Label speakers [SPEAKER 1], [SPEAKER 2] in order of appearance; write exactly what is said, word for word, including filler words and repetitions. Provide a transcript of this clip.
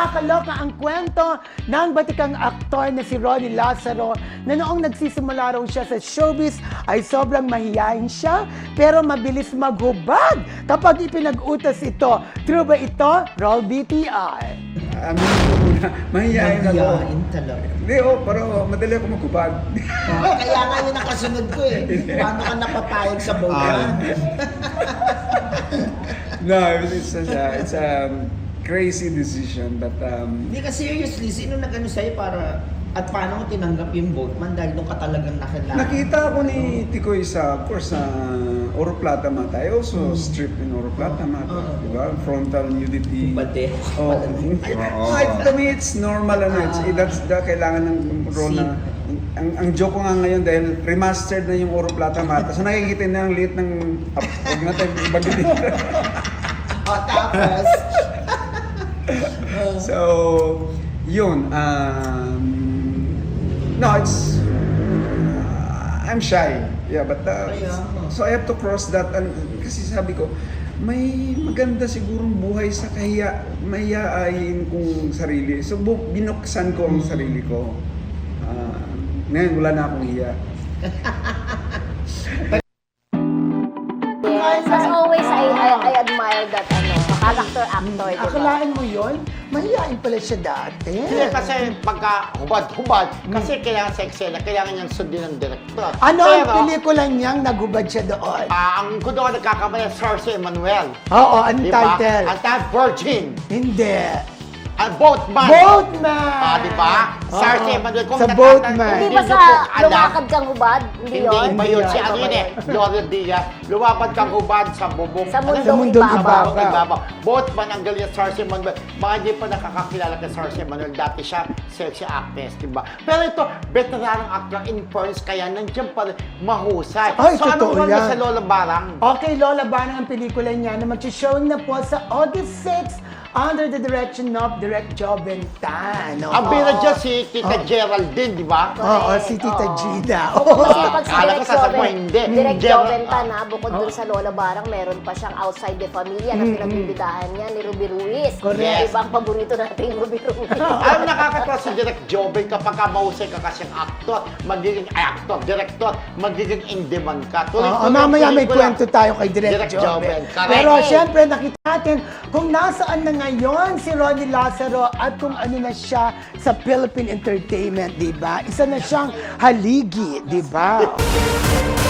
[SPEAKER 1] Nakakaloka ang kwento ng batikang aktor na si Ronnie Lazaro na noong nagsisimula raw siya sa showbiz ay sobrang mahiyain siya pero mabilis maghubad kapag ipinag-utos ito. True ba ito? Roll B T R.
[SPEAKER 2] Amin ko muna, mahihayin ako.
[SPEAKER 3] Mahihain talaga.
[SPEAKER 2] Hindi, oh, pero madali ako magkubad.
[SPEAKER 3] Oh, kaya nga yun ang kasunod ko eh. Paano ka napapayag sa bogan?
[SPEAKER 2] No, it's a, it's a um, crazy decision, but um,
[SPEAKER 3] Hindi ka seriously, sino nag-ano sa'yo para at paano mo tinanggap yung boatman dahil doon ka talagang nakilala?
[SPEAKER 2] nakita ko ni Tikoy sa, of course, sa Oro Plata Mata. I also stripped in Oro Plata Mata,
[SPEAKER 3] Uh-huh.
[SPEAKER 2] di ba? Frontal nudity.
[SPEAKER 3] Bate.
[SPEAKER 2] Oh,
[SPEAKER 4] Oo.
[SPEAKER 2] I, to me, it's normal, ano, it's,
[SPEAKER 3] Ah.
[SPEAKER 2] that's the kailangan ng role na, ang, ang joke ko nga ngayon dahil remastered na yung Oro Plata Mata. So nakikita na ang liit ng, huwag na tayo ibagin dito.
[SPEAKER 3] O tapos,
[SPEAKER 2] So, yun, um, no, it's, uh, I'm shy, yeah, but, uh,
[SPEAKER 3] Kaya nga.
[SPEAKER 2] so I have to cross that, and, kasi sabi ko, may maganda sigurong buhay sa kahiya, mahihain kong sarili. So, bu- binuksan ko ang sarili ko. Uh, ngayon, wala na akong hiya.
[SPEAKER 5] Yes, as always, I, I, I admire that ano, character actor, di ba?
[SPEAKER 1] Akalaan mo yun? Mahiyain pala siya dati.
[SPEAKER 4] Hindi kasi pagka hubad-hubad, kasi kailangan sa eksena, kailangan niyang sundin ng director.
[SPEAKER 1] Ano ang
[SPEAKER 4] Pero,
[SPEAKER 1] pelikula niyang nagubad siya doon?
[SPEAKER 4] ah, ang kung doon nagkakamali, Cersei Emmanuel.
[SPEAKER 1] Oo, ang
[SPEAKER 4] Di ba?
[SPEAKER 1] title?
[SPEAKER 4] Ang title, Virgin.
[SPEAKER 1] Hindi.
[SPEAKER 4] Ang Boatman.
[SPEAKER 1] Boatman!
[SPEAKER 4] Ah, di ba?
[SPEAKER 1] Oo.
[SPEAKER 4] Cersei Emmanuel. Kung
[SPEAKER 1] Sa
[SPEAKER 4] natatan-
[SPEAKER 1] Boatman.
[SPEAKER 5] Hindi
[SPEAKER 4] Hindi
[SPEAKER 5] ba
[SPEAKER 4] niyo
[SPEAKER 5] sa
[SPEAKER 4] po alam,
[SPEAKER 5] lumakad kang hubad? Hindi
[SPEAKER 4] Hindi,
[SPEAKER 5] yun?
[SPEAKER 4] iba yun. Si
[SPEAKER 5] Iba
[SPEAKER 4] ano
[SPEAKER 5] ba
[SPEAKER 4] yun eh,
[SPEAKER 5] yun?
[SPEAKER 4] Gloria Diaz. Lumapad kang hubad sa bubong.
[SPEAKER 5] Sa
[SPEAKER 4] ano
[SPEAKER 5] mundong
[SPEAKER 4] yun?
[SPEAKER 1] mundong
[SPEAKER 4] Sa
[SPEAKER 1] ibabaw.
[SPEAKER 4] mundong ibabaw. Boatman ang galing sa Cersei Emmanuel. Mga hindi pa nakakakilala kay Cersei Emmanuel. Dati siya sexy actress, di ba? Pero ito, veteranong actor in fairness, kaya nandiyan pa rin mahusay.
[SPEAKER 1] Ay,
[SPEAKER 4] so,
[SPEAKER 1] totoo
[SPEAKER 4] anong role niya
[SPEAKER 1] yan.
[SPEAKER 4] sa Lola Barang?
[SPEAKER 1] Okay, Lola Banang ang pelikula niya na mag-showing na po sa August sixth under the direction of Direct Joventan.
[SPEAKER 4] Ang bira dyan si Tita Geraldine, di ba?
[SPEAKER 1] Oo,
[SPEAKER 5] Correct.
[SPEAKER 1] si Tita
[SPEAKER 5] Oo.
[SPEAKER 1] Gina.
[SPEAKER 5] Kasi pag si
[SPEAKER 4] Akala ko
[SPEAKER 5] Direk
[SPEAKER 4] sasabihin,
[SPEAKER 5] Joven,
[SPEAKER 4] hindi.
[SPEAKER 5] Direk
[SPEAKER 4] Ger-
[SPEAKER 5] Joventa na, bukod dun sa Lola Barang, meron pa siyang Outside the Familia na pinagbibidahan niya ni Ruby Ruiz.
[SPEAKER 1] Correct.
[SPEAKER 5] Ibang paborito natin yung Ruby Ruiz.
[SPEAKER 4] Alam mo, nakakatawa si Direk Joven kapag ka mahusay ka kasing actor, magiging ay, actor, director, magiging in demand ka. Tuloy,
[SPEAKER 1] Oo,
[SPEAKER 4] tuloy,
[SPEAKER 1] mamaya may
[SPEAKER 4] pelikula.
[SPEAKER 1] kwento tayo kay Direct,
[SPEAKER 4] Direct
[SPEAKER 1] Joven.
[SPEAKER 4] Joven, correct.
[SPEAKER 1] Pero syempre, nakita natin kung nasaan na ngayon si Ronnie Lazaro at kung ano na siya sa Philippine Entertainment, di ba? Isa na siyang haligi, di ba?